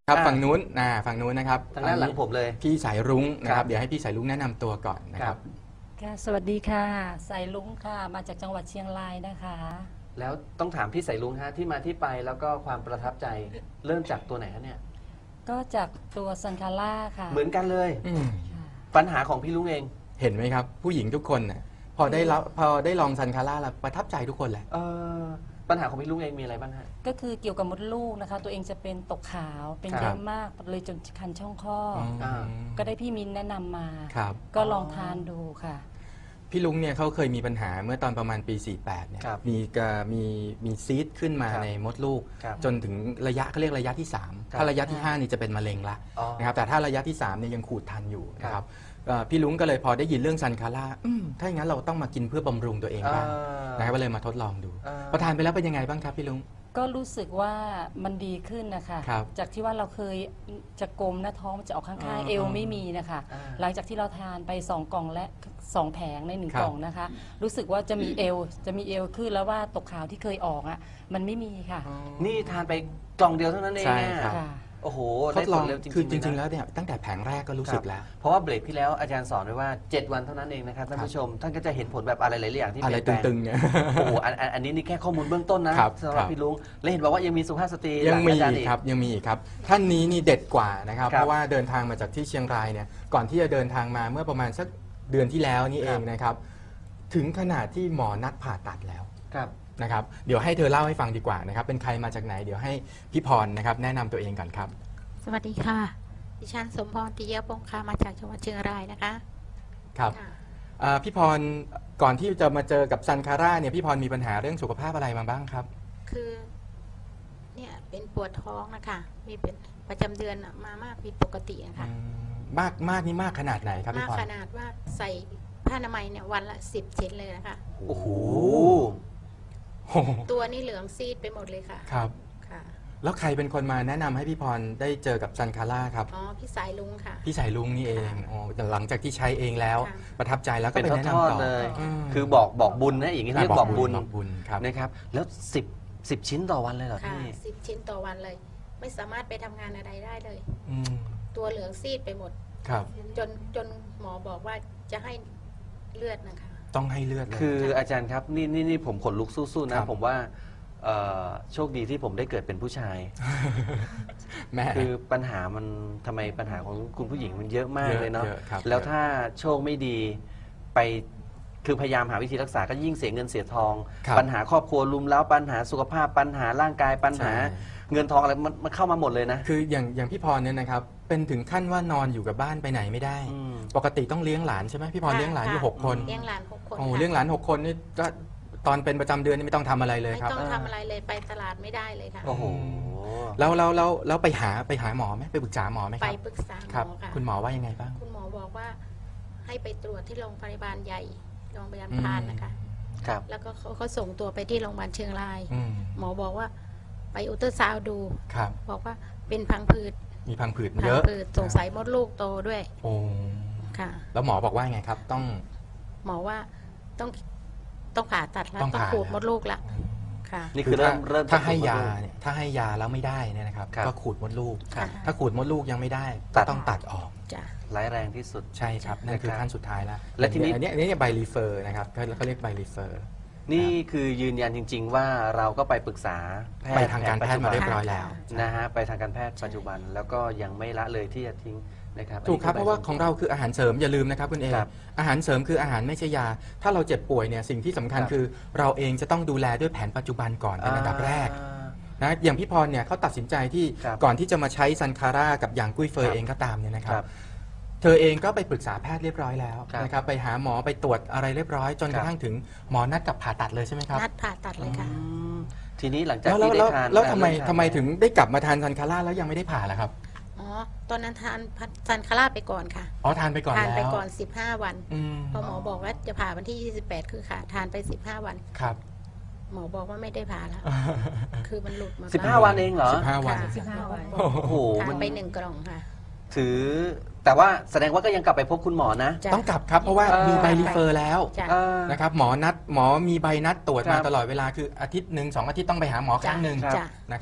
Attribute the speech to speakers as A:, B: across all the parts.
A: ครับฝั่งนู้นฝั่งนู้นนะครับ
B: ทางด้านหลังผมเลย
A: พี่สายรุ้งนะครับเดี๋ยวให้พี่สายรุ้งแนะนำตัวก่อนนะครับ
C: ค่ะสวัสดีค่ะสายลุงค่ะมาจากจังหวัดเชียงรายนะคะ
B: แล้วต้องถามพี่สายลุงฮะที่มาที่ไปแล้วก็ความประทับใจเริ่มจากตัวไหนฮะเนี่ย
C: ก็จากตัวซันคาร่าค่ะ
B: เหมือนกันเลย
C: ค่ะ
B: ปัญหาของพี่ลุงเอง
A: เห็นไหมครับผู้หญิงทุกคนน่ะพอได้ลองซันคาร่าแล้วประทับใจทุกคนแหละ
B: ปัญหาของพี่ลุงเองมีอะไรบ้างฮะ
C: ก็คือเกี่ยวกับมดลูกนะคะตัวเองจะเป็นตกขาวเป็นเยอะมากเลยจนคันช่องคลอดก็ได้พี่มินแนะนำมาก็ลองทานดูค่ะ
A: พี่ลุงเนี่ยเขาเคยมีปัญหาเมื่อตอนประมาณปี 48 เนี่ยมีซีดขึ้นมาในมดลูกจนถึงระยะเขาเรียกระยะที่ 3 ถ้าระยะที่ 5 นี่จะเป็นมะเร็งละนะครับแต่ถ้าระยะที่ 3 เนี่ยยังขูดทันอยู่นะครับพี่ลุงก็เลยพอได้ยินเรื่องซันคาร่าถ้าอย่างนั้นเราต้องมากินเพื่อบำรุงตัวเองบ้างนะครับก็เลยมาทดลองดูพอทานไปแล้วเป็นยังไงบ้างครับพี่ลุง
C: ก็รู้สึกว่ามันดีขึ้นนะคะจากที่ว่าเราเคยจะกลมหน้าท้องจะออกข้างๆเอวไม่มีนะคะหลังจากที่เราทานไป2 กล่องและ2 แผงใน1 กล่องนะคะรู้สึกว่าจะมีเอวขึ้นแล้วว่าตกขาวที่เคยออกอ่ะมันไม่มีค่ะ
B: นี่ทานไปกล่องเดียวเท่านั้นเอง
A: ใช่ครับ
B: โอ้โห
A: ทดลองคือจริงๆแล้วเนี่ยตั้งแต่แผงแรกก็รู้สึกแล้ว
B: เพราะว่าเบรกที่แล้วอาจารย์สอนไว้ว่า7 วันเท่านั้นเองนะครับท่านผู้ชมท่านก็จะเห็นผลแบบอะไรหลายอย่างที่
A: อะไรตึงๆเนี่ย
B: โอ้โหอันนี้นี่แค่ข้อมูลเบื้องต้นนะสำหรับพี่ลุงและเห็นบอกว่ายังมีสุภาพสตรี
A: ยังมีครับยังมีอีกครับท่านนี้นี่เด็ดกว่านะครับเพราะว่าเดินทางมาจากที่เชียงรายเนี่ยก่อนที่จะเดินทางมาเมื่อประมาณสักเดือนที่แล้วนี่เองนะครับถึงขนาดที่หมอนัดผ่าตัดแล้วนะครับเดี๋ยวให้เธอเล่าให้ฟังดีกว่านะครับเป็นใครมาจากไหนเดี๋ยวให้พี่พรนะครับแนะนำตัวเองก่อนครับ
D: สวัสดีค่ะดิฉันสมพร ติเยปงคามาจากจังหวัดเชียงรายนะคะ
A: ครับพี่พรก่อนที่จะมาเจอกับซันคาร่าเนี่ยพี่พรมีปัญหาเรื่องสุขภาพอะไรมาบ้างครับ
D: คือเนี่ยเป็นปวดท้องนะคะมีเป็นประจำเดือนมามากผิดปกตินะคะ
A: มากนี่มากขนาดไหนครับพี่พร
D: มากขนาดว่าใส่ผ้าอนามัยเนี่ยวันละ10 ชิ้นเลยนะคะ
B: โอ้โห
D: ตัวนี่เหลืองซีดไปหมดเลยค่ะ
A: ครับแล้วใครเป็นคนมาแนะนำให้พี่พรได้เจอกับซันคาร่าครับ
D: พี่สายลุงค่ะ
A: พี่สายลุงนี่เองหลังจากที่ใช้เองแล้วประทับใจแล้วก็เป็นแนะนำต่อ
B: เลยคือบอกบุญนะอย่างนี้เรียกบอกบุญนะครับแล้ว10 ชิ้นต่อวันเลยเหรอพี่
D: 10 ชิ้นต่อวันเลยไม่สามารถไปทำงานอะไรได้เลยตัวเหลืองซีดไปหมด
A: ครับ
D: จนหมอบอกว่าจะให้เลือดนะคะ
A: ต้องให้เลือด
B: คืออาจารย์ครับนี่ผมขนลุกสู้ๆนะผมว่าโชคดีที่ผมได้เกิดเป็นผู้ชายคือปัญหามันทำไมปัญหาของคุณผู้หญิงมันเยอะมากเลยเนาะแล้วถ้าโชคไม่ดีไปคือพยายามหาวิธีรักษาก็ยิ่งเสียเงินเสียทองปัญหาครอบครัวรุมแล้วปัญหาสุขภาพปัญหาร่างกายปัญหาเงินทองอะไรมันเข้ามาหมดเลยนะ
A: คืออย่างพี่พรเนี่ยนะครับเป็นถึงขั้นว่านอนอยู่กับบ้านไปไหนไม่ได้ปกติต้องเลี้ยงหลานใช่ไหมพี่พรเลี้ยงหลานอยู่6 คน
D: เลี้ยงหลาน6 คน
A: โอ้เลี้ยงหลาน6 คนนี่ก็ตอนเป็นประจำเดือนนี่ไม่ต้องทำอะไรเลยครับ
D: ไม่ต้องทำอะไรเลยไปตลาดไม่ได้เลยค่ะ
A: โอ้โหแล้วไปหาหมอไหมไปปรึกษาหมอไหมครับ
D: ไปปรึกษาหมอค่ะ
A: คุณหมอว่ายังไงบ้าง
D: คุณหมอบอกว่าให้ไปตรวจที่โรงพยาบาลใหญ่โรงพยาบาลพานนะคะแล้วก็เขาส่งตัวไปที่โรงพยาบาลเชียงรายหมอบอกว่าไปอุลตราซาวด์ดูบอกว่าเป็นพังผืด
A: มีพังผืดเยอะ
D: สงสัยมดลูกโตด้วย
A: โอ้
D: ค่ะ
A: แล้วหมอบอกว่าไงครับต้อง
D: หมอว่าต้องผ่าตัดแล้วต้องขูดมดลูกละค่ะ
B: นี่คือเริ่ม
A: ถ้าให้ยาเนี่ยถ้าให้ยาแล้วไม่ได้เนี่ยนะครับก็ขูดมดลูกถ้าขูดมดลูกยังไม่ได้ก็ต้องตัดออก
B: ร้ายแรงที่สุด
A: ใช่ครับนั่นคือขั้นสุดท้ายแล้วและทีนี้อันนี้ใบรีเฟอร์นะครับเขาเรียกใบรีเฟอร์
B: นี่คือยืนยันจริงๆว่าเราก็ไปปรึกษา
A: ไปทางการแพทย์มาเรียบร้อยแล้ว
B: นะฮะไปทางการแพทย์ปัจจุบันแล้วก็ยังไม่ละเลยที่จะทิ้งนะครับ
A: ถูกครับเพราะว่าของเราคืออาหารเสริมอย่าลืมนะครับคุณเออาหารเสริมคืออาหารไม่ใช่ยาถ้าเราเจ็บป่วยเนี่ยสิ่งที่สำคัญคือเราเองจะต้องดูแลด้วยแผนปัจจุบันก่อนเป็นอันดับแรกนะอย่างพี่พรเนี่ยเขาตัดสินใจที่ก่อนที่จะมาใช้ซันคาร่ากับอย่างกุ้ยเฟยเองก็ตามเนี่ยนะครับเธอเองก็ไปปรึกษาแพทย์เรียบร้อยแล้วนะครับไปหาหมอไปตรวจอะไรเรียบร้อยจนกระทั่งถึงหมอนัดกับผ่าตัดเลยใช่ไหมครับ
D: นัดผ่าตัดเลยค่ะ
B: ทีนี้หลังจากที่ได้ทาน
A: แล้วทำไมถึงได้กลับมาทานซันคาร่าแล้วยังไม่ได้ผ่าล่ะครับ
D: ตอนนั้นทานซันคาร่าไปก่อนค่ะ
A: ทานไปก่อน
D: ทานไปก่อน15 วันพอหมอบอกว่าจะผ่าวันที่28คือค่ะทานไป15 วัน
A: ครับ
D: หมอบอกว่าไม่ได้ผ่าแล้วคือมันหลุดมา
B: 15 วันเองเหรอ
A: 15 วัน
D: โอ้โหทานไป1 กล่องค่ะ
B: ถือแต่ว่าแสดงว่าก็ยังกลับไปพบคุณหมอนะ
A: ต้องกลับครับเพราะว่ามีใบรีเฟอร์แล้วนะครับหมอมีใบนัดตรวจมาตลอดเวลาคืออาทิตย์1-2 อาทิตย์ต้องไปหาหมอครั้งหนึ่งนะครับ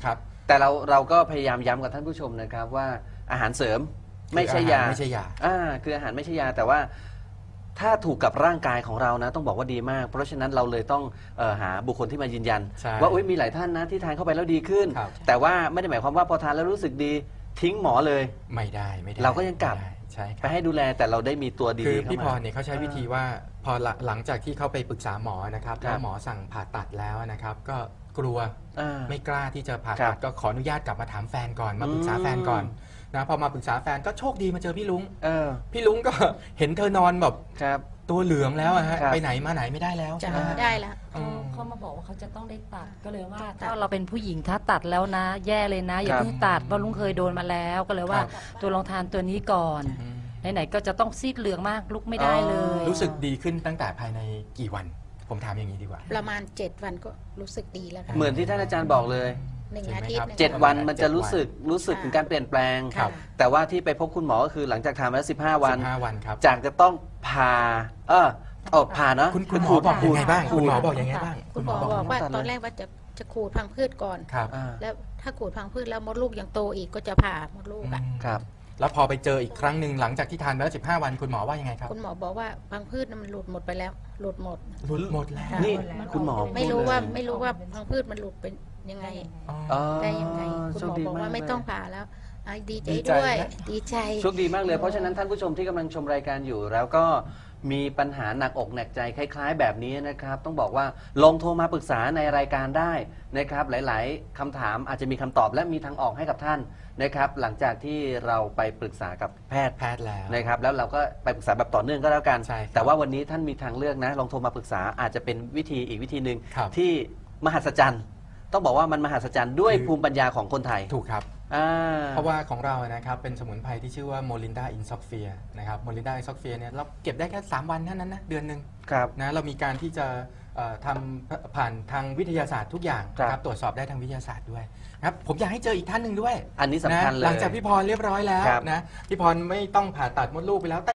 B: แต่เราก็พยายามย้ำกับท่านผู้ชมนะครับว่าอาหารเสริมไม่ใช่ยา
A: ไม่ใช่ยา
B: คืออาหารไม่ใช่ยาแต่ว่าถ้าถูกกับร่างกายของเรานะต้องบอกว่าดีมาก เพราะฉะนั้นเราเลยต้องหาบุคคลที่มายืนยัน ว่ามีหลายท่านนะที่ทานเข้าไปแล้วดีขึ้น แต่ว่าไม่ได้หมายความว่าพอทานแล้วรู้สึกดีทิ้งหมอเลย
A: ไม่ได้
B: เราก็ยังกลับไปให้ดูแลแต่เราได้มีตัวดีๆ
A: คือ
B: เข้ามา
A: พี่พรเนี่ยเขาใช้วิธีว่าพอหลังจากที่เขาไปปรึกษาหมอนะครับแล้วหมอสั่งผ่าตัดแล้วนะครับก็กลัวไม่กล้าที่จะผ่าตัดก็ขออนุญาตกลับมาถามแฟนก่อนมาปรึกษาแฟนก่อนนะพอมาปรึกษาแฟนก็โชคดีมาเจอพี่ลุงพี่ลุงก็เห็นเธอนอนแบบตัวเหลืองแล้วฮะไปไหนมาไหนไม่ได้แล้ว
D: จะไม่ได้แล้ว
C: เขามาบอกว่าเขาจะต้องได้ตัดก็เลยว่าถ้าเราเป็นผู้หญิงถ้าตัดแล้วนะแย่เลยนะอย่าเพิ่งตัดเพราะลุงเคยโดนมาแล้วก็เลยว่าตัวลองทานตัวนี้ก่อนไหนๆก็จะต้องซีดเหลืองมากลุกไม่ได้เลย
A: รู้สึกดีขึ้นตั้งแต่ภายในกี่วันผมถามอย่างนี้ดีกว่า
D: ประมาณ7 วันก็รู้สึกดีแล้วค่ะ
B: เหมือนที่ท่านอาจารย์บอกเลย
D: 1 อาทิตย์
B: 7 วันมันจะรู้สึกถึงการเปลี่ยนแปลงแต่ว่าที่ไปพบคุณหมอก็คือหลังจากทานมาแล้ว15 วัน
A: ครับ
B: จากจะต้องผ่าผ่าเนาะ
A: คุณหมอบอกยังไงบ้างคุณหมอบอกยังไงบ้าง
D: คุณหมอบอกว่าตอนแรกว่าจะขูดพังพืชก่อนแล้วถ้าขูดพังพืชแล้วมดลูกยังโตอีกก็จะผ่ามดลูก
B: ครับ
A: แล้วพอไปเจออีกครั้งหนึ่งหลังจากที่ทานไปแล้ว15 วันคุณหมอว่ายังไงครับ
D: คุณหมอบอกว่าพังพืชมันหลุดหมดไปแล้วหลุดหมด
A: แล้ว
B: นี่คุณหมอ
D: ไม่รู้ว่าพังพืชมันหลุดเป็นยังไงได้ยังไงคุณหมอบอกว่าไม่ต้องผ่าแล้วดีใจด้วยดีใจ
B: โชคดีมากเลยเพราะฉะนั้นท่านผู้ชมที่กำลังชมรายการอยู่แล้วก็มีปัญหาหนักอกหนักใจคล้ายๆแบบนี้นะครับต้องบอกว่าลองโทรมาปรึกษาในรายการได้นะครับหลายๆคำถามอาจจะมีคำตอบและมีทางออกให้กับท่านนะครับหลังจากที่เราไปปรึกษากับแพทย์
A: แล้ว
B: นะครับแล้วเราก็ไปปรึกษาแบบต่อเนื่องก็แล้วกันแต่ว่าวันนี้ท่านมีทางเลือกนะลองโทรมาปรึกษาอาจจะเป็นวิธีอีกวิธีหนึ่งที่มหัศจรรย์ต้องบอกว่ามันมหัศจรรย์ด้วยภูมิปัญญาของคนไทย
A: ถูกครับเพราะว่าของเรานะครับเป็นสมุนไพรที่ชื่อว่าโมลินดาอินซอกเฟียนะครับโมลินดาอินซอกเฟียเนี่ยเราเก็บได้แค่3 วันเท่านั้นนะเดือนหนึ่งนะเรามีการที่จะทำผ่านทางวิทยาศาสตร์ทุกอย่างนะครับตรวจสอบได้ทางวิทยาศาสตร์ด้วยครับผมอยากให้เจออีกท่านหนึ่งด้วย
B: อันนี้สำคัญเลย
A: หลังจากพี่พรเรียบร้อยแล้วนะพี่พรไม่ต้องผ่าตัดมดลูกไปแล้ว